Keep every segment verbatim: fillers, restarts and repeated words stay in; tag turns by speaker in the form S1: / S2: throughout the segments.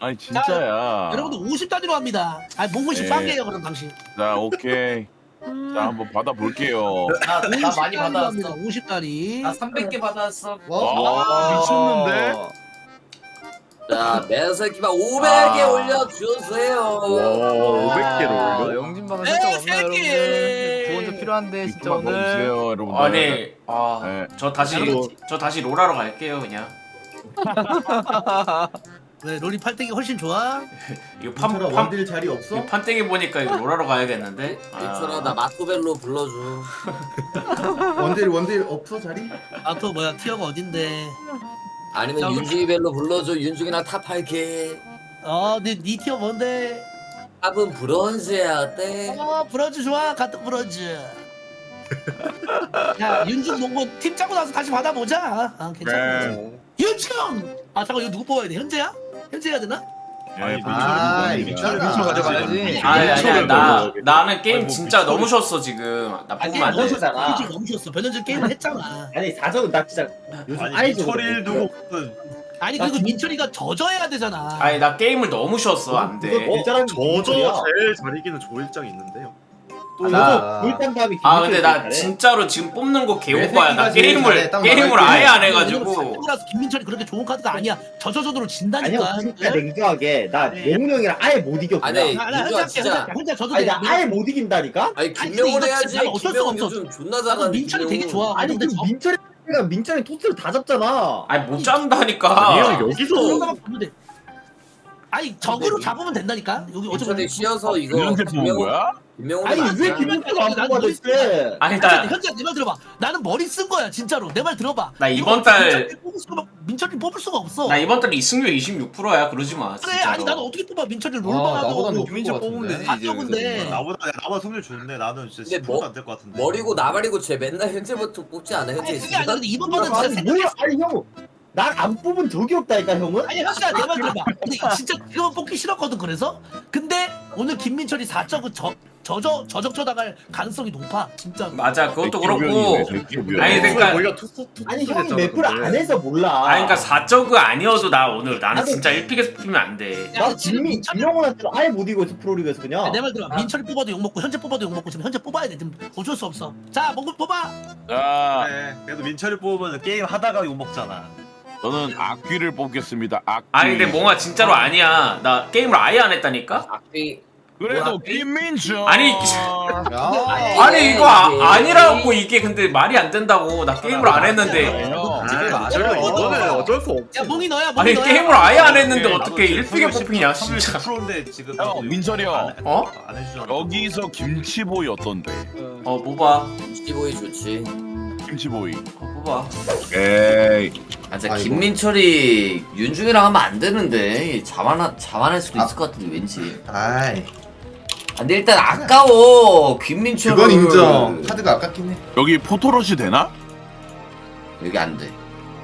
S1: 아니 진짜야.
S2: 여러분들 오십 단위로 합니다. 아니 몽골식
S1: 네.
S2: 빵이에요 그럼 당신.
S1: 자 오케이. 자 한번 받아볼게요.
S3: 나, 나 많이 받아왔어.
S2: 오십 단위.
S3: 나 삼백 개 받아왔어.
S1: 와, 미쳤는데?
S4: 자, 매새끼만 오백 개
S1: 아.
S4: 올려주세요.
S1: 오백 개를
S5: 아,
S1: 올려?
S5: 영진방은 살짝 없나요, 여러분들? 구원자 필요한데 진짜
S1: 이거만
S5: 오늘.
S1: 넣어주세요 여러분들.
S6: 아니 아
S1: 네.
S6: 저 다시 저 다시 로라로 갈게요 그냥.
S2: 왜 롤리 팔땡이 훨씬 좋아?
S6: 이거 판,
S7: 민철아
S6: 판,
S7: 원딜 자리 없어?
S6: 이거 판때기 보니까 이거 로라로 가야겠는데.
S4: 민철아 나 마토벨로 불러줘.
S7: 원딜 원딜 없어 자리?
S2: 아 또 뭐야 티어가 어딘데?
S4: 아니면
S2: 자,
S4: 윤중이벨로 불러줘. 윤중이랑 탑 할게.
S2: 어네 네 티어 뭔데?
S4: 탑은 브론즈야 어때?
S2: 어 브런즈 좋아 같은 브런즈. 야 윤중 몽골 팀 짜고 나서 다시 받아보자. 아 괜찮아.
S1: 네.
S2: 윤중! 아 잠깐 이거 누구 뽑아야 돼? 현재야? 현재 해야 되나?
S1: 아니
S7: 아,
S1: 민철이
S7: 민철이
S1: 민철이
S7: 민철
S5: 가져가야지.
S6: 아니 아니야 나 나는 게임
S1: 아니, 뭐
S6: 진짜
S1: 미쳐버리-
S6: 너무 쉬웠어 지금. 나
S2: 아니
S6: 뽑으면
S2: 게임
S6: 안
S2: 너무
S6: 돼.
S2: 쉬웠어. 솔직히 너무 쉬웠어. 변현준 게임을 했잖아.
S8: 아니 사적은 나 진짜 요즘
S9: 아니
S8: 아이즈
S9: 민철이를 두고
S2: 아니 그리고 민철이가 져줘야 되잖아.
S6: 아니 나 게임을 너무 쉬웠어 안 돼.
S8: 일자랑
S9: 저저 제일 잘 이기는 조일장 있는데요.
S8: 또
S6: 나-
S8: 이거 골당 다음에
S6: 아 근데 나 진짜로 지금 뽑는 거 개오빠야. 나
S7: 내 새끼가 제일
S6: 게임을
S7: 잘해, 딱
S6: 게임을
S7: 말할게.
S6: 아예 안
S2: 왜냐면
S6: 해가지고.
S2: 삼성이라서 김민철이 그렇게 좋은 카드가 아니야. 저저저도로 진다니까.
S8: 아니야 진짜 냉정하게 나 영훈 형이랑 아예 못 이겨 그냥.
S4: 아니,
S2: 나, 나
S4: 민주야,
S2: 혼자 할게,
S4: 진짜.
S2: 혼자 할게. 혼자 져도
S8: 아니
S2: 돼.
S8: 나 아예 못 이긴다니까?
S4: 아니
S2: 아니,
S4: 김명훈
S2: 근데 이거
S4: 해야지.
S2: 진짜 어쩔 수가
S4: 김명훈
S2: 없어.
S4: 요즘 존나
S2: 나는
S4: 잘하는
S2: 민철이 되게 좋아.
S8: 아니
S2: 근데
S8: 그
S2: 저-
S8: 민철이가 민철이 토스를 다 잡잖아.
S6: 아니 못 잡는다니까.
S9: 아니요 여기서
S2: 그런가만 보면 돼. 아니 적으로 잡으면 된다니까. 여기 어차피
S4: 민철이 쉬어서 이거
S1: 이렇게 뽑은
S4: 김명훈
S1: 거야?
S4: 김명훈
S8: 아니 왜 김민철이 안 뽑아줬대?
S6: 아니
S2: 현재
S6: 나
S2: 현재 내 말 들어봐. 나는 머리 쓴 거야 진짜로. 내 말 들어봐.
S6: 나
S2: 이거
S6: 이번 달-
S2: 민철이 뽑을 수가 민철이 뽑을 수가 없어.
S6: 나 이번 달 이승률 이십육 퍼센트야. 그러지 마.
S2: 그래
S6: 진짜로.
S2: 아니 나는 어떻게 뽑아 민철이
S5: 아,
S2: 롤만
S5: 나보다
S2: 하고
S5: 높은 거 뽑으면 되지
S2: 다
S5: 이제.
S2: 적은데.
S5: 여기서.
S9: 나보다 나보다 승률 좋은데 나는 진짜
S4: 근데
S9: 십
S4: 뭐-
S9: 퍼센트도 안 될 것 같은데.
S4: 머리고 나발이고 쟤 맨날 현재부터 뽑지 않아 현재
S2: 아니 그게 아니라 근데 이번 번은
S8: 아니
S2: 진짜
S8: 뭐야? 아니 형, 날 안 뽑은 적이 없다니까 형은?
S2: 아니 현수야 내 말 들어봐. 근데 진짜 그거 뽑기 싫었거든 그래서. 근데 오늘 김민철이 사 적은 저 저저 저적 쳐다갈 가능성이 높아 진짜.
S6: 맞아 그것도
S1: 백기병이네,
S6: 그렇고.
S1: 백기병.
S6: 아니, 그러니까-
S9: 원래 투스 투스
S8: 아니 형이 맵을 안 해서 몰라.
S6: 아니 그러니까 사적이 아니어도 나 오늘 나는
S8: 나도-
S6: 진짜 일 픽에서 뽑히면 안 돼.
S8: 나 김민 김영훈한테 아예 못 이겼어 프로리그에서 그냥.
S2: 내 말 들어. 민철이 뽑아도 욕 먹고 현재 뽑아도 욕 먹고 지금 현재 뽑아야 돼. 지금 어쩔 수 없어. 자 몽골 뽑아.
S1: 자
S9: 그래. 그래도 민철이 뽑으면 게임 하다가 욕 먹잖아.
S1: 저는 악귀를 뽑겠습니다. 악귀.
S6: 아니 근데 뭔가 진짜로 아니야. 나 게임을 아예 안 했다니까.
S4: 악비
S1: 그래도 김민철.
S6: 아니, 아니 이거 아, 아니라고 이게 근데 말이 안 된다고. 나 게임을 안 했는데.
S1: 형.
S9: 맞아 이거는 어쩔 수 없지.
S2: 야 몽이 너야 몽이
S6: 아니
S2: 너야.
S6: 게임을 아예 안 했는데
S9: 나도
S6: 어떻게
S9: 지금
S6: 일 픽에
S9: 승률
S6: 뽑히냐
S9: 십-
S6: 진짜.
S9: 십 퍼센트인데 지금
S1: 형,
S9: 나도
S1: 민철이
S9: 안
S1: 형.
S9: 해-
S6: 어?
S9: 안 해주잖아.
S1: 여기서 김치보이 어떤데?
S6: 어 뽑아.
S4: 시보이 좋지.
S1: 김치보이.
S6: 어 뽑아.
S1: 에이.
S4: 아 진짜 김민철이 윤중이랑 하면 안 되는데 자만하 자만할 수도 있을 것 같은데 왠지.
S7: 아이
S4: 아, 근데 일단 아까워 김민철.
S7: 그건 인정. 카드가 아깝긴 해.
S1: 여기 포토롯이 되나?
S4: 여기 안 돼.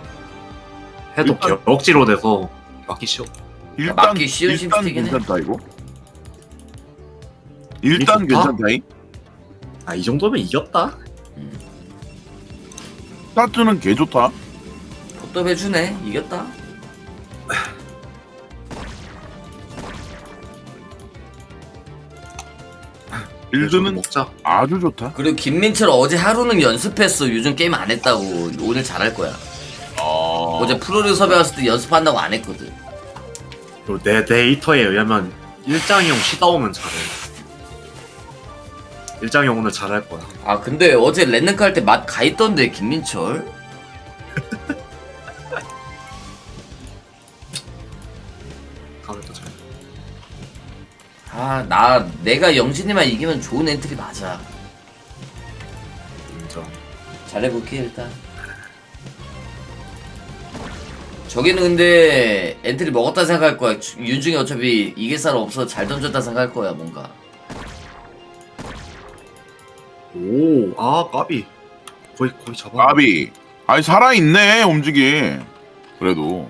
S9: 해도
S1: 일단-
S9: 억지로 돼서 맞기 쉬워.
S1: 일단
S4: 맞기 쉬운
S1: 일단
S4: 심스틱이네.
S1: 괜찮다 이거. 일단
S9: 이게 좋다?
S1: 괜찮다잉.
S9: 아 이 정도면 이겼다.
S1: 스타트는 개 좋다.
S4: 포토 해주네. 이겼다.
S1: 빌드는
S9: 먹자.
S1: 아주 좋다.
S4: 그리고 김민철 어제 하루는 연습했어. 요즘 게임 안 했다고. 오늘 잘할 거야.
S1: 어.
S4: 어제 프로리그 섭외 왔을 때 연습한다고 안 했거든.
S9: 그리고 내 데이터에 의하면 일장이 형 쉬다 오면 잘해. 일장이 형 오늘 잘할 거야.
S4: 아 근데 어제 랜드카 할 때 맛 가있던데 김민철.
S9: 다음에 또 잘.
S4: 아 나 내가 영진이만 이기면 좋은 엔트리 맞아.
S9: 인정.
S4: 잘해볼게 일단. 저기는 근데 엔트리 먹었다 생각할 거야. 주- 윤중이 어차피 이길 사람 없어 잘 던졌다 생각할 거야 뭔가.
S9: 오, 아 까비. 거의 거의 잡아.
S1: 아비. 아니 살아있네 움직이. 그래도.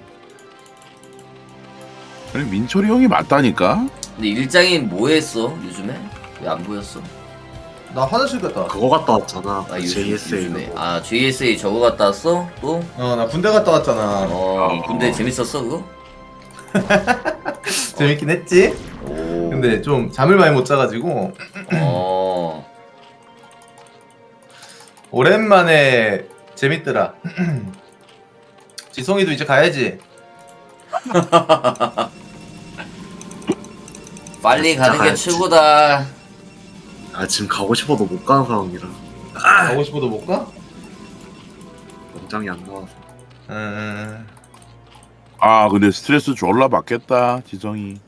S1: 아니 민철이 형이 맞다니까.
S4: 근데 일장이 뭐 했어 요즘에? 왜 안 보였어?
S7: 나 화장실 갔다 왔어.
S9: 그거 갔다 왔잖아.
S4: 아 요즘,
S9: 제이에스에이
S4: 요즘에.
S9: 그거.
S4: 아 제이에스에이 저거 갔다 왔어? 또?
S7: 어나 군대 갔다 왔잖아.
S4: 어 근데 재밌었어 그거?
S7: 재밌긴 했지.
S4: 오.
S7: 근데 좀 잠을 많이 못 자가지고
S4: 어.
S7: 오랜만에 재밌더라. 지성이도 이제 가야지.
S4: 빨리
S9: 진짜
S4: 가는 게
S9: 가야지.
S4: 최고다.
S9: 아 지금 가고 싶어도 못 가는 상황이라
S7: 가고 싶어도 못 가?
S9: 영장이 안 나와서.
S7: 음.
S1: 아 근데 스트레스 졸라 받겠다 지성이.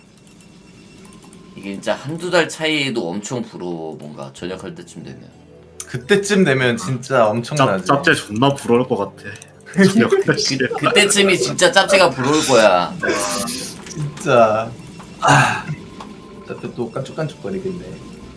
S4: 이게 진짜 한두 달 차이도 엄청 부러워. 뭔가 전역할 때쯤 되면.
S7: 그때쯤 되면 진짜
S9: 짭,
S7: 엄청나지.
S9: 짭제 존나 부러울 것 같아. 저녁 시에.
S4: 그, 그때쯤이 진짜 짭제가 부러울 거야.
S7: 진짜. 아. 짭제 또 깐죽깐죽거리겠네.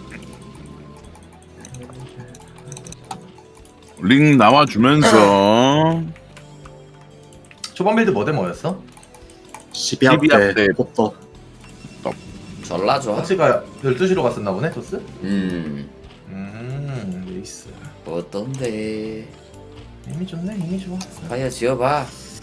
S1: 링 나와주면서
S7: 초반 빌드 뭐대 뭐였어?
S9: 십이 합 때
S1: 때.
S9: 포터.
S4: 졸라 좋아.
S7: 터치가 열두 시로 갔었나 보네, 토스?
S4: 음.
S7: 음, 레이스.
S4: 어떤데?
S7: 이미 좋네, 이미 좋아.
S4: 파이어 지어봐.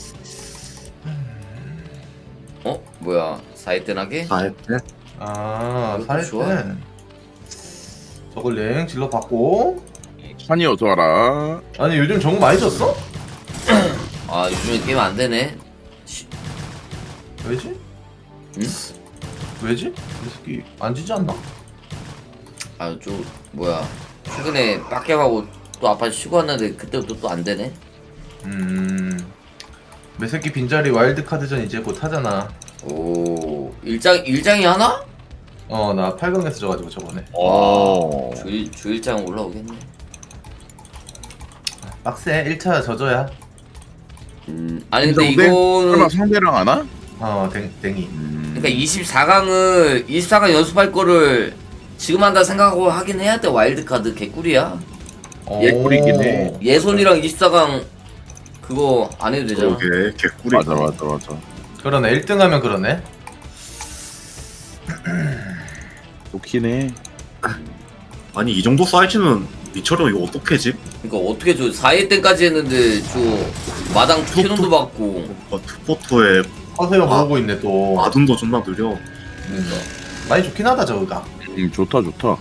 S4: 어? 뭐야? 사이뜨나게?
S9: 다 했대.
S7: 아,
S4: 이것도
S7: 살
S4: 좋아.
S7: 때. 저걸 랭 질러 받고.
S1: 찬이 어서 와라.
S7: 아니, 요즘 정보 많이 줬어?
S4: 아 요즘에 게임 안 되네. 시-
S7: 왜지?
S4: 응?
S7: 왜지? 이 새끼 안 지지 않나?
S4: 아, 좀 뭐야? 최근에 빡겜하고 또 아빠 쉬고 왔는데 그때부터 또 안 되네.
S7: 음. 매새끼 빈자리 와일드 카드전 이제 곧 하잖아.
S4: 오, 일장 일장이 하나?
S7: 어, 나 팔 강에서 져가지고 저번에.
S1: 어.
S4: 주 주일장 올라오겠네.
S7: 빡세, 일 차 져줘야.
S4: 음, 아니 근데
S1: 근데
S4: 이거는
S1: 설마 상대랑 하나?
S7: 어, 댕, 댕이.
S1: 음.
S4: 그러니까 이십사 강을 이십사 강 연습할 거를 지금 한다 생각하고 하긴 해야 돼. 와일드 카드 개꿀이야.
S1: 예, 꿀이긴 해.
S4: 예손이랑 이십사 강 그거 안 해도 되잖아.
S9: 그러게 개꿀이.
S1: 맞아 맞아 맞아.
S7: 그러네, 일 등 하면 그러네.
S1: 좋긴 해.
S9: 아니 이 정도 사이즈는 미처럼 이거 어떻게 집?
S4: 그러니까 어떻게 저 사 회 때까지 했는데 저 마당 캐논도 받고
S9: 어, 투포토에
S7: 허세가
S9: 아.
S7: 모으고 있네 또.
S9: 아둔도 존나 느려.
S7: 그러니까. 많이 좋긴 하다 저거가.
S1: 음 좋다 좋다.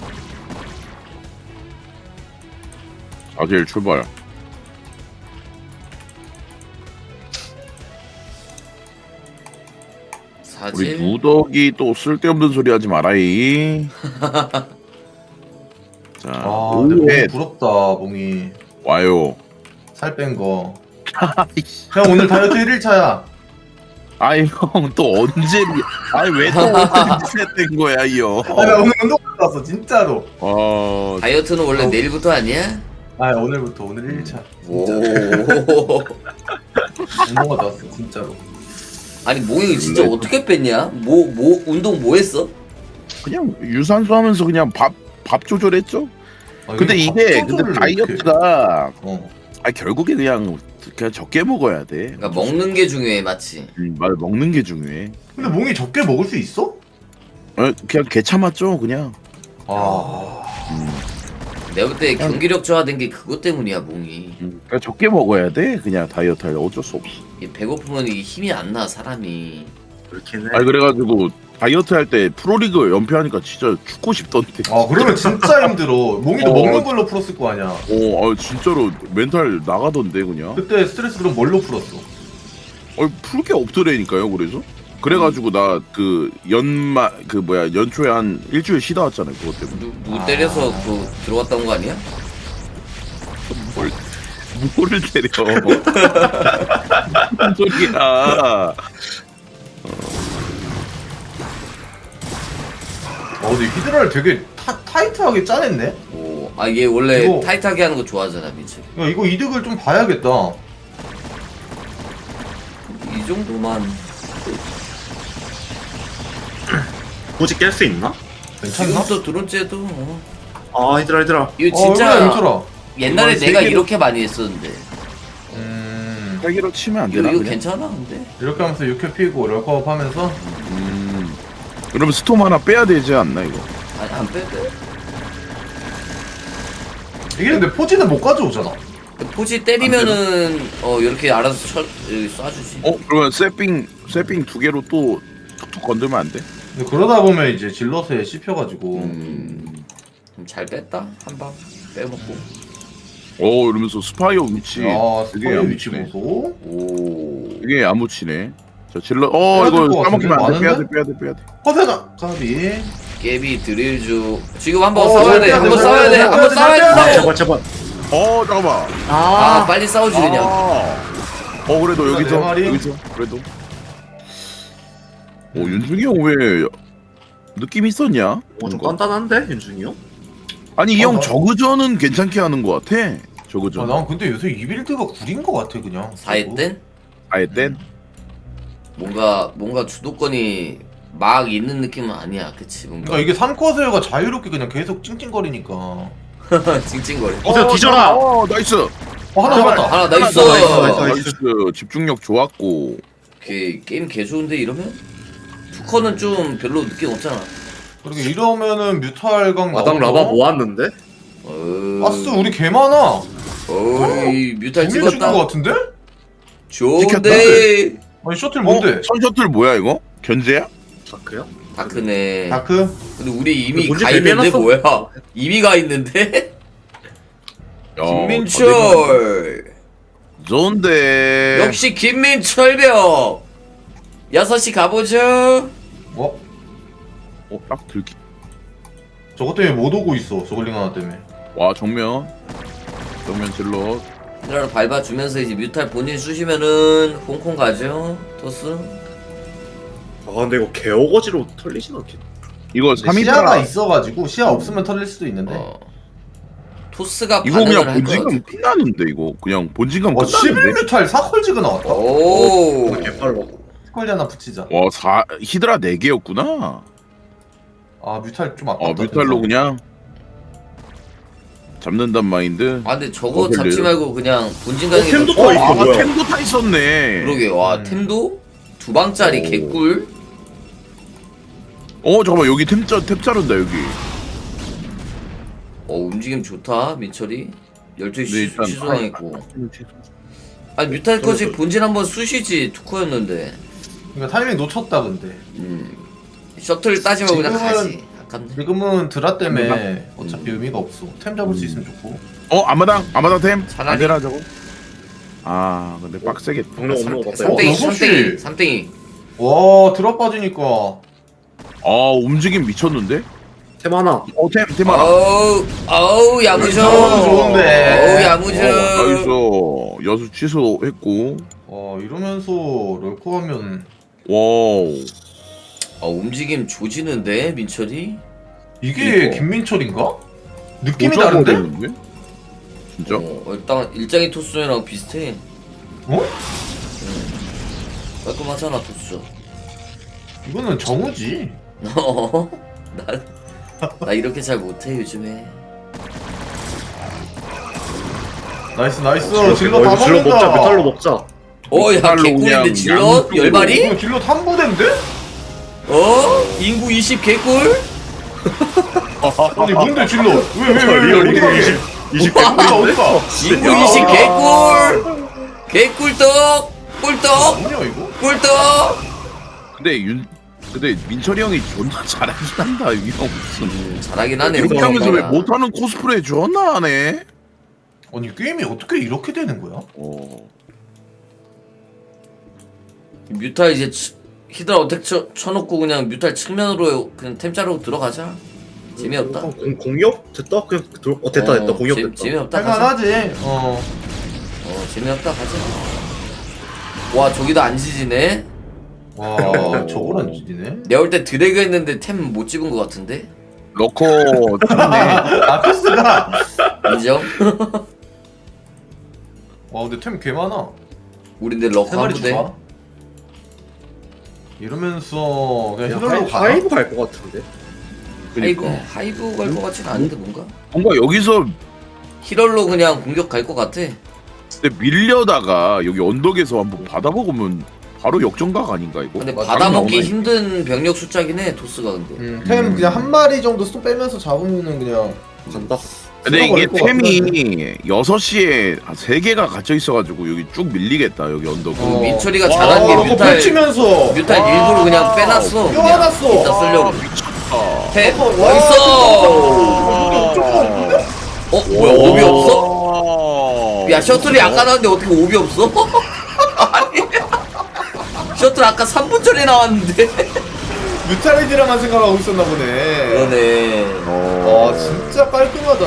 S1: 사실 출발. 우리
S4: 사실
S1: 누덕이 또 쓸데없는 소리 하지 마라이. 자,
S7: 아, 근데 몽이
S1: 오회
S7: 부럽다, 몽이.
S1: 와요.
S7: 살 뺀 거. 형 오늘 다이어트 일 일 차야.
S1: 아이 형 또 언제? 아이 왜또 언제 된 거야 이 형?
S7: 아, 나 오늘 운동 갔다 왔어, 진짜로.
S1: 어,
S4: 다이어트는 원래 내일부터 아니야?
S7: 아, 오늘부터 오늘 일 일 차.
S4: 오.
S7: 운동 갔다 왔어, 진짜로.
S4: 아니 몽이 진짜 어떻게 뺐냐? 뭐 뭐 운동 뭐 했어?
S1: 그냥 유산소 하면서 그냥 밥 밥 조절했죠.
S7: 아,
S1: 근데 이게 근데
S7: 밥조절을
S1: 다이어트가
S7: 이렇게. 어.
S1: 아 결국에 그냥 그냥 적게 먹어야 돼.
S4: 그러니까 먹는 게 중요해, 맞지?
S1: 음, 말 먹는 게 중요해.
S7: 근데 몽이 적게 먹을 수 있어?
S1: 어, 그냥 개 참았죠 그냥.
S7: 아.
S1: 음,
S4: 내가 볼 때 경기력 저하된 게 그것 때문이야, 몽이.
S1: 음, 그냥 적게 먹어야 돼. 그냥 다이어트 할 때 어쩔 수 없어.
S4: 이 배고프면 이게 힘이 안 나, 사람이.
S9: 그렇긴 해.
S1: 아니 그래가지고 다이어트 할 때 프로리그 연패하니까 진짜 죽고 싶던데.
S7: 아, 그러면 진짜 힘들어. 몽이도
S1: 어.
S7: 먹는 걸로 풀었을 거 아니야.
S1: 어, 아, 진짜로 멘탈 나가던데 그냥.
S7: 그때 스트레스 그럼 뭘로 풀었어?
S1: 어, 풀 게 없더라니까요. 그래서 그래가지고 나 그 연마 그 뭐야 연초에 한 일주일 쉬다 왔잖아요. 그것 때문에.
S4: 누, 누구 때려서 그 들어갔다 온 거 아니야?
S1: 뭘 뭐를 때려? 무슨 소리야?
S7: 어, 근데 히드라를 되게 타, 타이트하게 짜냈네?
S4: 오, 아 얘 원래
S7: 이거-
S4: 타이트하게 하는 거 좋아하잖아, 민철.
S7: 야, 이거 이득을 좀 봐야겠다.
S4: 이 정도만
S9: 굳이 깰 수 있나?
S7: 괜찮나?
S4: 지금부터 드론째도 어.
S9: 아 얘들아 얘들아.
S4: 이거
S7: 어,
S4: 진짜
S7: 그래, 민철아.
S4: 옛날에
S1: 이건
S4: 내가
S1: 세계로-
S4: 이렇게 많이 했었는데
S7: 음,
S1: 세기로 치면 안
S4: 이거,
S1: 되나?
S4: 이거
S1: 그냥?
S4: 괜찮아 근데?
S7: 이렇게 하면서 육 회 피고 럴컵 하면서
S1: 음. 그러면 스톰 하나 빼야 되지 않나 이거?
S4: 아니 안 빼, 빼.
S7: 이게 근데 포지는 못 가져오잖아.
S4: 포지 때리면은 어 이렇게 알아서 쳐, 여기 쏴주지.
S1: 어 그러면 세핑 세핑 두 개로 또 툭툭 건들면 안 돼?
S7: 근데 그러다 보면 이제 질럿에 씹혀가지고
S4: 음, 잘 뺐다 한 방 빼먹고.
S1: 어 이러면서 스파이어 위치
S7: 야
S1: 되게
S7: 스파이 위치
S1: 야무치네.
S7: 보소.
S4: 오.
S1: 이게 야무치네. 자 질러 어
S7: 빼야 될것
S1: 이거
S7: 같은데?
S1: 까먹으면 안 돼. 빼야 돼
S7: 많은데?
S1: 빼야 돼 빼야 돼.
S7: 허세가 까비.
S4: 깨비 드릴주 지금 한번
S7: 어,
S4: 싸워야 돼.
S7: 잘
S4: 한번
S7: 빼야
S4: 싸워야
S7: 돼,
S4: 돼.
S7: 잘
S4: 한번
S7: 빼야 돼,
S4: 싸워야
S7: 잘 빼야 돼.
S4: 된다고.
S9: 제발 제발.
S1: 어 잠깐만.
S4: 아 빨리 싸우지 그냥.
S1: 아. 어 그래도
S7: 네
S1: 여기서
S7: 마리.
S1: 여기서 그래도. 오 윤중이 형 왜 느낌 있었냐?
S9: 어, 좀
S1: 뭔가?
S9: 단단한데 윤중이 형?
S1: 아니 이
S7: 어,
S1: 형
S7: 나-
S1: 저그전은 괜찮게 하는 것 같아.
S7: 아,
S1: 저그전.
S7: 난 근데 요새 이 빌드가 구린 것 같아 그냥.
S4: 사회 땐
S1: 아예 땐.
S4: 뭔가 뭔가 주도권이 막 있는 느낌은 아니야. 그치 뭔가
S7: 그러니까 이게 삼 컷을가 자유롭게 그냥 계속 찡찡거리니까.
S4: 찡찡거려.
S9: 어서 뒤져라.
S1: 어 나이스.
S7: 어 하나 잡았다.
S4: 하나 나이스.
S1: 나이스,
S9: 나이스,
S1: 나이스. 집중력 좋았고.
S4: 오케이 게임 개 좋은데 이러면 투커는 좀 별로 느낌 없잖아.
S7: 그렇게 이러면은 뮤탈강
S9: 마당
S7: 나오죠?
S9: 라바 모았는데?
S4: 어...
S7: 아스 우리 개 많아.
S4: 어이 뮤탈
S7: 두명 죽은 것
S4: 찍었다.
S7: 같은데?
S4: 좋은데.
S7: 아니 셔틀 뭔데?
S1: 어? 선셔틀 뭐야 이거? 견제야?
S9: 다크야?
S4: 다크네.
S7: 다크?
S4: 근데 우리 이미
S9: 본진
S4: 가 있는데
S9: 대비해놨어?
S4: 뭐야? 이미 가 있는데?
S1: 야,
S4: 김민철.
S1: 좋은데.
S4: 역시 김민철병. 여섯 시 가보죠.
S7: 어?
S1: 어, 딱 들기.
S7: 저것 때문에 못 오고 있어 저글링 하나 때문에.
S1: 와 정면. 정면 질러.
S4: 이라로 밟아주면서 이제 뮤탈 본인 쑤시면은 홍콩 가죠. 토스.
S9: 아 근데 이거 개어거지로 털리진 않겠네.
S1: 이거
S7: 근데 시야가
S1: 삼 인가
S7: 있어가지고 시야 없으면 털릴 수도 있는데.
S4: 어. 토스가
S1: 이거
S4: 반응을
S1: 그냥
S4: 할것
S1: 본진감
S4: 같은데.
S1: 끝나는데 이거 그냥 본진감
S7: 와 십일
S1: 끝나는데.
S7: 뮤탈 사 컬지가 나왔다.
S4: 오.
S9: 개빨라.
S7: 컬지 하나 붙이자.
S1: 와 사 히드라 네 개였구나.
S7: 아 뮤탈 좀 아깝다.
S1: 어 뮤탈로 그냥 잡는단 마인드.
S4: 아 근데 저거
S1: 어,
S4: 잡지
S1: 별로예요.
S4: 말고 그냥 본진
S9: 어,
S4: 가는 게
S9: 템도
S4: 더-
S9: 더 있어.
S1: 아
S9: 뭐야?
S1: 템도 타 있었네.
S4: 그러게 와
S7: 음.
S4: 템도 두 방짜리
S1: 오.
S4: 개꿀.
S1: 어 잠깐만 여기 템자 탭 자른다 여기.
S4: 어 움직임 좋다 민철이. 열두 시
S1: 네, 일단
S4: 취소당했고. 아니 뮤탈까지 본진 한번 쑤시지 투코였는데.
S7: 그러니까 타이밍 놓쳤다 근데.
S4: 음. 셔틀 따지면 그냥
S7: 지금은-
S4: 가지. 아깝네.
S7: 지금은 드라 때문에 어차피 의미가 없어. 템 잡을 수 있으면 좋고.
S1: 어 아마당 아마당 템.
S4: 차라리-
S1: 안 되나 저거? 아 근데 빡세겠다.
S9: 병력 없는 거 봤다.
S4: 삼땡이
S7: 어, 여섯 시.
S4: 삼땡이 삼땡이.
S7: 와 드라 빠지니까.
S1: 아 움직임 미쳤는데?
S9: 템 하나.
S1: 어템템 하나.
S4: 어우 어우 야무져.
S7: 너무 좋은데.
S4: 어우 야무져.
S1: 어, 나이스. 여수 취소했고.
S7: 와 이러면서 럴코 하면
S1: 와우.
S4: 어 움직임 조지는데 민철이.
S7: 이게
S1: 이거.
S7: 김민철인가? 느낌이
S1: 오자고
S7: 다른데?
S1: 되는데? 진짜?
S4: 어, 일단 일장이 토스전이랑 비슷해.
S7: 어?
S4: 깔끔하잖아 토스전.
S7: 이거는 정우지.
S4: 어? 나, 나 이렇게 잘 못해 요즘에.
S7: 나이스 나이스.
S9: 질러
S7: 질러 다
S9: 질러 먹자.
S7: 먹는다.
S9: 메탈로 먹자.
S4: 어야
S1: 뮤탈로
S4: 개꿀인데
S1: 그냥
S4: 질럿
S1: 양쪽으로.
S4: 열 마리?
S7: 이거 질러 한 부대인데?
S4: 어? 인구 이십 개꿀?
S7: 아니 뭔데 질러? 왜왜왜 왜,
S9: 리얼
S7: 어디
S9: 인구
S7: 가게?
S9: 이십, 이십
S7: 어디가 어디가?
S4: 인구 이십 개꿀? 개꿀떡? 꿀떡?
S7: 뭐냐 이거?
S4: 꿀떡?
S1: 근데 윤 근데 민철이 형이 존나 잘하긴 한다 이 형 무슨.
S4: 음, 잘하긴 하네.
S1: 이렇게 하면서 왜
S4: 생각보다.
S1: 못하는 코스프레 존나 하네?
S7: 아니 게임이 어떻게 이렇게 되는 거야?
S1: 어.
S4: 뮤탈 이제 치- 히드라 어택 쳐, 쳐놓고 그냥 뮤탈 측면으로 그냥 템 자르고 들어가자. 재미없다.
S9: 어, 공, 공격? 됐다? 그냥 들- 어 됐다 됐다. 공격
S4: 재,
S9: 됐다.
S4: 재미없다 가자.
S7: 할만하지. 어.
S4: 어 재미없다 가자. 와 저기도 안 지지네.
S7: 와 저걸 안 지네.
S4: 내가 볼 때 드래그 했는데 템 못 집은 것 같은데.
S1: 러커 잘하네.
S7: 아 코스가.
S4: 인정?
S7: 와 근데 템 개 많아.
S4: 우린데
S7: 세
S4: 럭커 한
S7: 마리
S4: 부대.
S7: 좋아. 이러면서 그냥
S9: 야,
S7: 히럴로
S9: 하이,
S7: 가.
S9: 하이브 갈 것 같은데.
S4: 하이브
S1: 그러니까
S4: 하이브 갈 것 같진 않은데 뭔가.
S1: 뭔가 여기서
S4: 히럴로 그냥 공격 갈 것 같아.
S1: 근데 밀려다가 여기 언덕에서 한번 받아먹으면 바로 역전각 아닌가 이거?
S4: 근데
S7: 맞아,
S4: 받아먹기
S1: 나오네.
S4: 힘든 병력 숫자긴 해 토스가 근데.
S7: 음, 템 그냥 한 마리 정도 쏙 빼면서 잡으면은 그냥
S9: 간다.
S1: 근데 이게
S8: 걸릴 것
S1: 템이 여섯 시에 세 개가 갇혀 있어가지고 여기 쭉 밀리겠다 여기 언덕.
S4: 그 민철이가
S8: 와,
S4: 잘한 게
S8: 이거
S4: 뮤탈
S8: 펼치면서
S4: 뮤탈 일부러 그냥 빼놨어. 그냥
S8: 껴안았어.
S4: 이따 쓰려고.
S1: 미쳤다.
S4: 탭
S8: 와.
S4: 어딨어?
S8: 조금
S4: 어 뭐야 오비 없어?
S1: 없어?
S4: 야 셔틀이 아까 나왔는데 어떻게 오비 없어? 아니 셔틀 아까 삼 분 전에 나왔는데.
S8: 뮤탈리드라만 생각하고 있었나 보네.
S4: 그러네.
S8: 아 진짜 깔끔하다.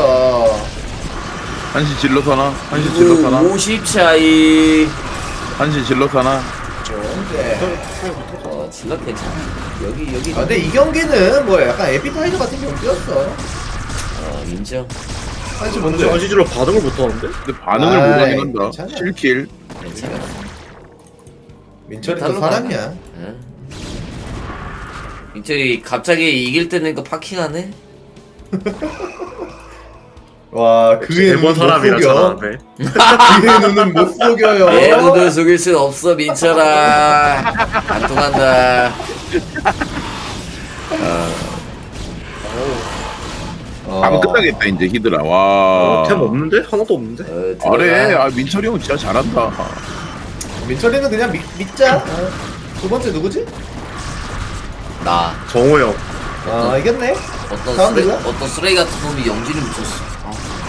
S1: 한시 질러 사나? 한시 질러 사나?
S4: 오십 차이.
S1: 한시 질러 사나?
S8: 좋은데.
S4: 어 질럿 괜찮아. 여기 여기.
S8: 아 근데 이 경기는 뭐 약간 에피타이저 같은 경기였어.
S4: 어 인정.
S8: 한시
S9: 근데
S8: 뭔데?
S9: 아지질러 반응을 못하는데?
S1: 근데 반응을
S8: 아이,
S1: 못 하긴 한다.
S8: 괜찮아.
S1: 칠 킬.
S4: 괜찮아.
S8: 민철이도 사람이야.
S4: 응. 민철이 갑자기 이길 때는 이거 파킹하네.
S8: 와 그의 눈은
S9: 일본
S8: 못
S9: 사람이라
S8: 속여.
S9: 잘하네.
S8: 그의 눈은 못 속여요.
S4: 내 눈을 속일 순 없어 민철아. 안 통한다.
S8: 어.
S1: 안 끝나겠다 이제 히드라. 와.
S9: 템 없는데? 하나도 없는데?
S4: 어,
S1: 아래.
S4: 들어가.
S1: 아 민철이 형 진짜 잘한다.
S8: 민철이는 그냥 믿, 믿자. 어. 두 번째 누구지?
S4: 나
S9: 정호 형.
S8: 아 이겼네.
S4: 어떤
S8: 다음
S4: 쓰레,
S8: 누구야?
S4: 어떤 쓰레기 같은 놈이 영진이 묻혔어. 어.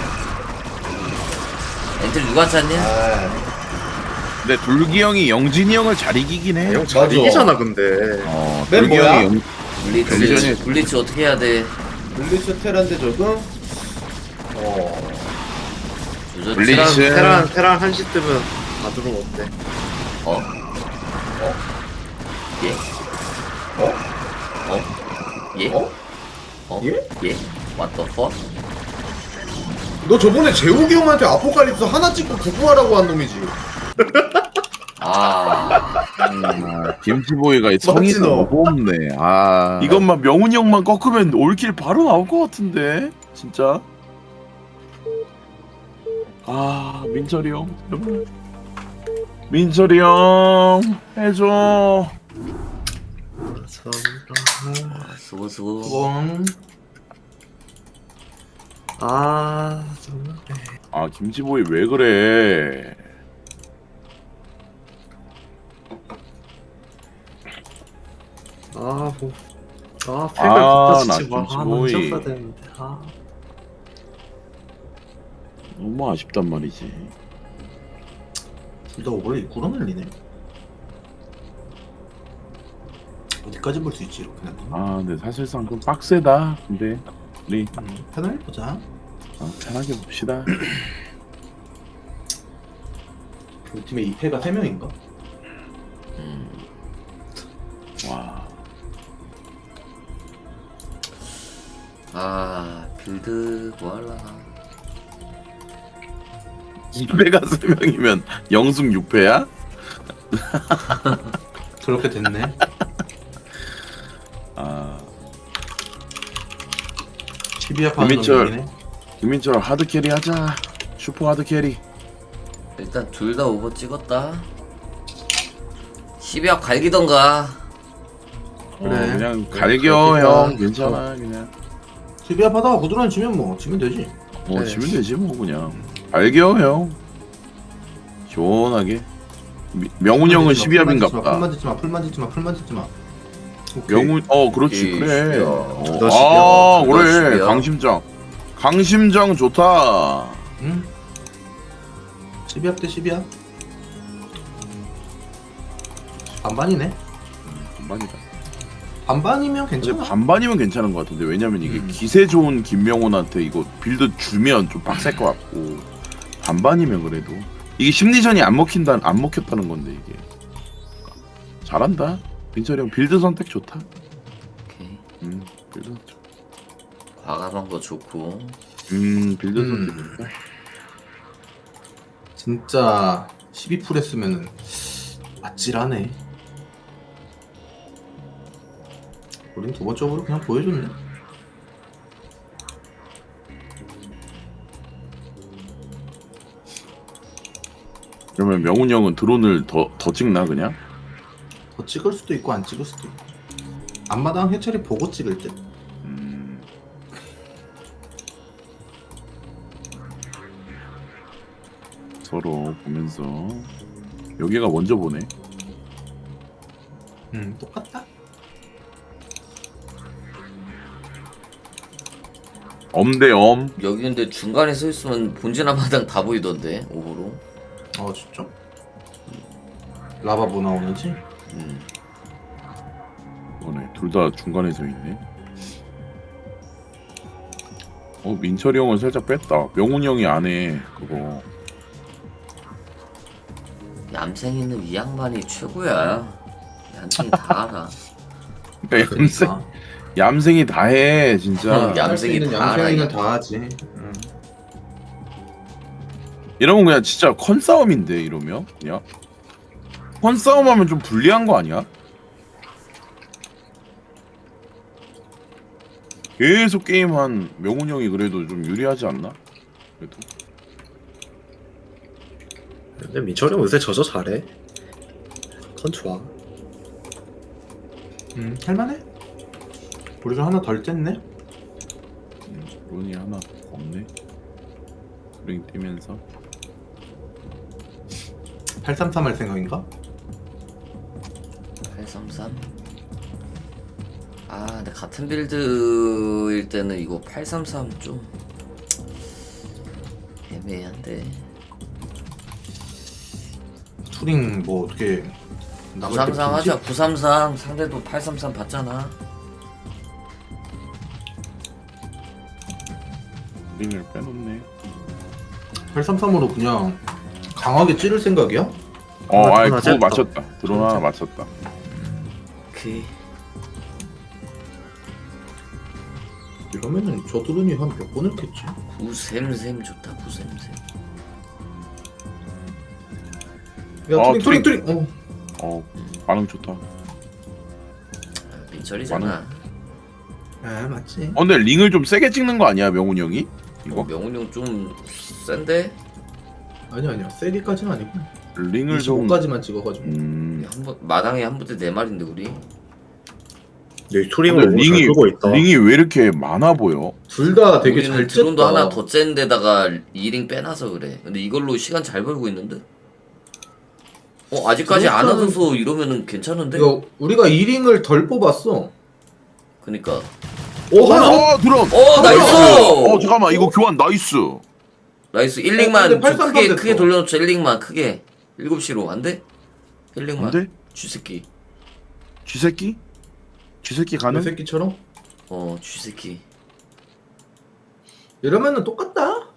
S4: 엔트리 누가 짰냐?
S8: 아
S1: 근데 둘기 형이 영진이 형을 잘 이기긴 해.
S9: 형 잘
S8: 맞아.
S9: 이기잖아 근데.
S1: 어,
S8: 맨
S1: 둘기
S8: 뭐야?
S1: 형이 영...
S4: 블리츠
S1: 벨전이-
S4: 블리츠 어떻게 해야 돼?
S8: 블리츠 테란데 조금. 어.
S4: 조절
S1: 블리츠.
S4: 테란-
S9: 테란 테란 한시 뜨면 다 들어오면 어때?
S4: 어? 어? 예?
S8: 어?
S4: 어? 예?
S8: 어?
S4: 어?
S8: 예?
S4: 예? What the fuck?
S8: 너 저번에 재욱이 형한테 아포칼립스 하나 찍고 구구하라고 한 놈이지.
S4: 아
S1: 아, 김치보이가 이 성이
S8: 맞지, 너?
S1: 너무 없네. 아 이것만 명훈이 형만 꺾으면 올킬 바로 나올 것 같은데 진짜. 아 민철이 형 제발. 민철이 형 해줘.
S4: 수고 수고
S8: 뻥.
S9: 아 정말.
S1: 아 김치보이 왜 그래?
S9: 아 뭐. 아
S1: 아,
S9: 팩을
S1: 나
S9: 붙여주지 마. 아
S1: 김치보이.
S9: 난 되는데. 아.
S1: 너무 아쉽단 말이지.
S2: 둘 다 오버레이 구렁 날리네. 어디까지 볼 수 있지 이렇게 는
S1: 아 근데 사실상 좀 빡세다. 근데 우리
S2: 편하게 보자.
S1: 어, 편하게 봅시다.
S2: 우리 팀에 이 패가 세 명인가?
S1: 와.
S4: 아 빌드 뭐할라나.
S1: 이 패가 세 명이면 영승 육 패야?
S2: 그렇게 됐네.
S1: 아
S2: 십이야 파는
S1: 김민철.
S2: 놈이네.
S1: 김민철 하드 캐리 하자. 슈퍼 하드 캐리.
S4: 일단 둘 다 오버 찍었다. 십이합 갈기던가.
S1: 그래.
S2: 그래.
S1: 그냥
S2: 그래,
S1: 갈겨
S2: 갈기자.
S1: 형 괜찮아 그냥.
S2: 십이야 파다가 구두란 치면 뭐 치면 되지.
S1: 뭐
S9: 네.
S1: 지면 되지 뭐 그냥. 갈겨 형. 시원하게. 미- 명훈 형은 십이합인갑다.
S2: 풀만 짓지 마. 풀만 짓지 마. 풀만 짓지 마.
S1: 명훈 어 그렇지
S4: 오케이,
S1: 그래.
S4: 십이야.
S1: 어,
S9: 너
S1: 아
S4: 십이야. 너
S1: 그래
S4: 십이야.
S1: 강심장. 강심장 좋다.
S2: 응. 십이야 대 십이야. 반반이네.
S1: 반반이다.
S2: 반반이면
S1: 근데
S2: 괜찮아.
S1: 반반이면 괜찮은 것 같은데 왜냐면 이게
S2: 음.
S1: 기세 좋은 김명훈한테 이거 빌드 주면 좀 빡셀 것 같고 반반이면 그래도 이게 심리전이 안 먹힌다 안 먹혔다는 건데 이게 잘한다. 민철이 형 빌드 선택 좋다.
S4: 오케이.
S1: 음 빌드 선택 좋다.
S4: 과감한 거 좋고.
S1: 음 빌드
S2: 음.
S1: 선택 좋다.
S2: 진짜 십이 풀 했으면은 아찔하네. 우린 두 번째 오버로 그냥 보여줬네.
S1: 그러면 명훈 형은 드론을 더 더 찍나 그냥?
S2: 더 찍을 수도 있고 안 찍을 수도 있고. 앞마당 해철이 보고 찍을 때.
S1: 음 서로 보면서 여기가 먼저 보네.
S7: 음 똑같다.
S1: 엄대 엄.
S4: 여기 근데 중간에 서 있으면 본진 한마당 다 보이던데 오버로.
S7: 어 진짜? 라바 뭐 나오는지?
S4: 음.
S1: 이거네. 둘 다 중간에 서 있네. 어 민철이 형은 살짝 뺐다. 명훈이 형이 안해 그거.
S4: 얌생이는 이 양반이 최고야. 얌생이 다 알아.
S1: 그러니까 얌생
S7: 그러니까.
S1: 얌생이 다 해 진짜.
S4: 얌- 얌생이
S7: 할 수 있는
S4: 다 알아,
S7: 얌생이는
S4: 이거.
S7: 다 하지. 음.
S1: 이러면 그냥 진짜 컨싸움인데 이러면 그냥 컨싸움하면 좀 불리한 거 아니야? 계속 게임한 명훈 형이 그래도 좀 유리하지 않나? 그래도
S9: 근데 민철이 형 요새 저저 잘해. 컨 좋아.
S7: 음 할만해? 우리 좀 하나 덜 쨌네?
S1: 음, 론이 하나 더 없네. 링 뛰면서
S7: 팔삼삼 할 생각인가?
S4: 팔삼삼. 아 근데 같은 빌드일 때는 이거 팔삼삼 좀 애매한데.
S7: 투링 뭐 어떻게 나갈 때
S4: 구삼삼
S7: 보이지?
S4: 하자. 구삼삼 상대도 팔삼삼 봤잖아.
S1: 링을 빼놓네.
S7: 팔삼삼으로 그냥 강하게 찌를 생각이야?
S1: 어,
S9: 하나,
S1: 아이
S9: 하나
S1: 그거
S9: 쨌다.
S1: 맞췄다. 드론 하나 맞췄다.
S4: 오케이.
S7: 이러면은 저 드론이 한 몇 번을 겠지?
S4: 구샘샘 좋다. 구샘샘.
S7: 야
S1: 아,
S7: 투링 투링 투링! 어.
S1: 어 반응 좋다. 어
S4: 민철이잖아.
S7: 아 맞지.
S1: 근데 링을 좀 세게 찍는 거 아니야 명훈이 형이?
S4: 어,
S1: 이거
S4: 명훈 형 좀 센데?
S7: 아니야 아니야 세게까지는 아니고
S1: 링을 좀
S7: 이십오까지만 찍어가지고
S1: 음.
S4: 한번 마당에 한 부대 네 마리인데 우리.
S9: 여기 투링을
S1: 근데
S9: 너무 잘
S1: 링이
S9: 끄고 있다.
S1: 링이 왜 이렇게 많아 보여?
S7: 둘 다 되게
S4: 우리는
S7: 잘
S4: 드론도
S7: 쨌다.
S4: 하나 더 짠 데다가 이링 빼놔서 그래. 근데 이걸로 시간 잘 벌고 있는데? 어 아직까지 안
S7: 드론은-
S4: 와줘서 이러면은 괜찮은데?
S7: 이거 우리가 이 링을 덜 뽑았어.
S4: 그니까.
S7: 오 하나!
S1: 어 드론.
S4: 어 나이스!
S1: 어 잠깐만 이거 교환 나이스.
S4: 나이스 일
S7: 어,
S4: 링만
S7: 근데
S4: 좀
S7: 팔삼삼
S4: 크게
S7: 됐어.
S4: 크게 돌려놓자. 일 링만 크게. 일곱 시로 안 돼? 일 링만.
S1: 안돼?
S4: 쥐새끼.
S1: 쥐새끼? 쥐새끼 가능?
S7: 이 새끼처럼?
S4: 어 쥐새끼.
S7: 이러면은 똑같다.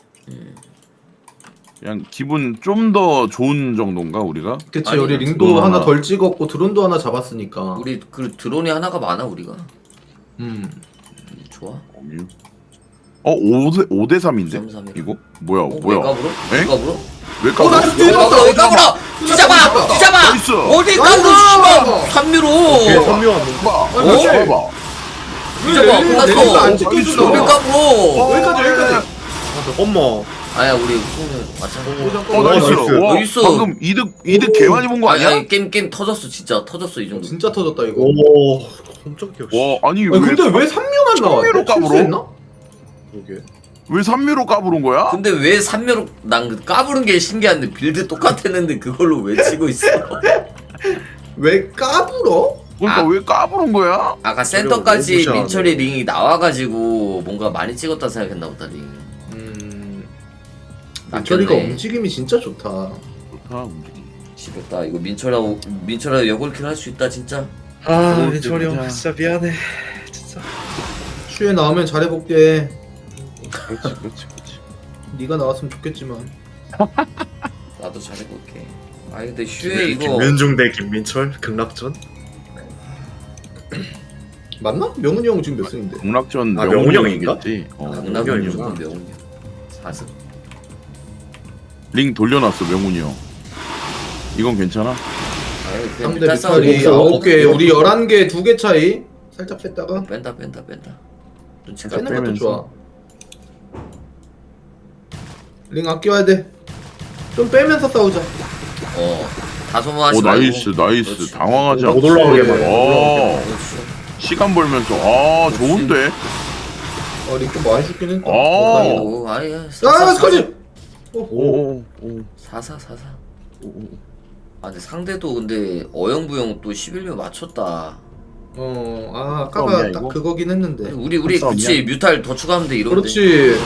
S1: 그냥 기분 좀 더 좋은 정도인가 우리가?
S7: 그치
S4: 아니,
S7: 우리 링도
S1: 드론
S7: 하나
S1: 하나.
S7: 덜 찍었고 드론도 하나 잡았으니까.
S4: 우리 그 드론이 하나가 많아 우리가.
S7: 음.
S4: 음, 좋아.
S1: 어 오대 오대 삼인데?
S4: 삼삼이라.
S1: 이거 뭐야
S4: 어,
S1: 뭐야?
S4: 왜 까불어? 왜
S1: 에?
S4: 까불어?
S1: 왜
S7: 어,
S1: 까불어?
S7: 나이스!
S4: 왜 까불어? 왜 까불어? 뒤잡아! 뒤잡아!
S1: 나이스!
S4: 어디
S7: 나이스!
S4: 까불어 씨발! 삼미로!
S9: 걔 선묘한 놈.
S1: 봐.
S7: 어?
S1: 봐봐.
S4: 뒤잡아!
S7: 왜 안
S4: 끝났어!
S7: 찍혀주나?
S4: 왜 까불어?
S7: 여기까지 여기까지.
S9: 어머.
S4: 아야 우리 우승은 마찬가지.
S1: 어 나이스.
S9: 나이스.
S1: 와,
S4: 나이스.
S1: 방금 이득 이득 개 많이 본 거
S4: 아니,
S1: 아니야?
S4: 아니 게임 게임 터졌어 진짜 터졌어 이 정도.
S7: 진짜 터졌다 이거.
S9: 오. 깜짝이야.
S1: 와 아니
S7: 아니,
S1: 왜
S7: 근데 왜 삼류만 나왔대?
S1: 삼류로 까불어?
S7: 실수했나? 그러게.
S1: 왜 삼미로 까부른 거야?
S4: 근데 왜 삼묘로 난 까부른 게 신기한데 빌드 똑같았는데 그걸로 왜 치고 있어?
S7: 왜 까불어?
S1: 그러니까
S4: 아.
S1: 왜 까부른 거야?
S4: 아까 센터까지
S9: 무시하네.
S4: 민철이 링이 나와가지고 뭔가 많이 찍었다 생각했나 보다 링.
S7: 음.
S4: 낚였네.
S7: 민철이가 움직임이 진짜 좋다.
S1: 좋다 움직임.
S4: 지겹다 이거 민철하고 민철하고 역올킬 할 수 있다 진짜.
S9: 아
S1: 오,
S9: 민철이 형
S1: 진짜.
S9: 진짜 미안해. 진짜.
S7: 슈에 나오면 잘해볼게.
S1: 그렇지 그렇지 그렇지.
S7: 네가 나왔으면 좋겠지만.
S4: 나도 잘해볼게. 아 근데 슈에 이거
S9: 김민중 대 김민철 극락전.
S7: 맞나? 명훈이 형 지금 몇 승인데?
S1: 공락전
S9: 아,
S1: 명훈이
S9: 명훈이 형인가?
S1: 형이겠지. 어.
S4: 강남은
S9: 명훈이구나.
S4: 무조건 명훈이야. 사승.
S1: 링 돌려놨어 명훈이 형. 이건 괜찮아?
S4: 아유 그냥
S7: 삼 대
S4: 뮤탈 싸움
S7: 뮤탈이
S4: 먹어.
S7: 아홉 개, 우리 열한 개, 두 개 차이. 살짝 뺐다가
S4: 뺀다 뺀다 뺀다. 눈치
S1: 살짝
S4: 까.
S7: 빼는 것도
S1: 빼면서.
S7: 좋아. 링 아껴야 돼. 좀 빼면서 싸우자.
S4: 어. 다소모하지
S1: 오
S4: 말고.
S1: 나이스 나이스.
S4: 그렇지.
S1: 당황하지
S9: 못
S1: 않고.
S9: 올라오게만, 못
S1: 어
S4: 그렇지.
S1: 시간 벌면서 아 좋은데.
S7: 어, 링 좀 많이 죽긴 했다.
S1: 어.
S7: 다행이다.
S4: 아이고 아이.
S7: 아, 스커지! 어,
S1: 오오오.
S4: 사사 사사. 아 근데 상대도 근데 어영부영 또 십일 秒 맞췄다.
S8: 어, 아,
S1: 싸움이야,
S8: 아까가 딱
S1: 이거?
S8: 그거긴 했는데.
S4: 우리 우리
S1: 싸움이야?
S4: 그치 뮤탈 더 추가하면 돼 이런데.
S8: 그렇지.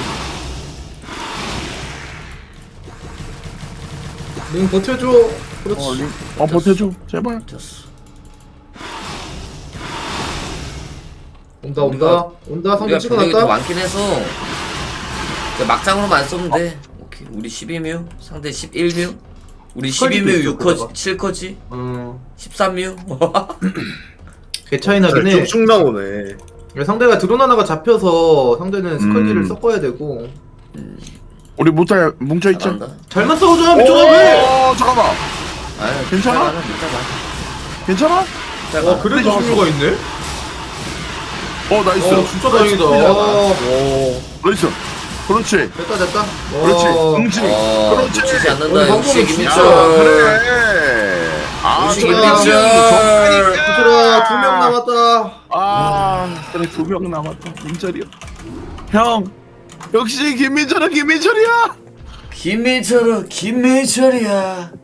S8: 링 버텨줘. 그렇지.
S1: 어, 링. 어 버텨줘 제발.
S4: 됐어.
S8: 온다 온다 온다. 성공
S4: 우리가 병력이 더
S8: 찍어놨다.
S4: 많긴 해서 그냥 막장으로만 쏘면 돼. 오케이 우리 십이 秒, 상대 십일 秒, 우리 십이 秒
S8: 있어,
S4: 육 커지,
S8: 그거가.
S4: 칠 커지,
S8: 어.
S4: 십삼 秒.
S8: 개 차이 나긴 해.
S9: 쭉쭉 나오네.
S8: 상대가 드론 하나가 잡혀서 상대는 스컬기를
S1: 음.
S8: 섞어야 되고.
S1: 우리 못할 뭉쳐 있자.
S4: 잘한다.
S8: 잘만 싸우자. 미쳐가 왜?
S1: 어 잠깐만.
S4: 아유,
S1: 괜찮아?
S4: 괜찮아, 괜찮아.
S1: 괜찮아?
S4: 괜찮아.
S8: 와 그래도 종류가 있네.
S1: 어 나이스.
S8: 어 진짜 다행이다. 어.
S1: 나이스. 그렇지.
S8: 됐다 됐다.
S1: 그렇지.
S8: 어.
S1: 응지.
S4: 어,
S1: 그렇지.
S4: 놓치지
S8: 어,
S4: 않는다. 역시
S8: 방금은
S4: 김민철.
S8: 진짜
S1: 그래. 아
S4: 역시
S1: 그래.
S4: 김민철.
S8: 부트라 두 명 남았다.
S1: 아 그래 두 명 남았다. 민철이야. 형. 역시 김민철은 김민철이야.
S4: 김민철은 김민철이야.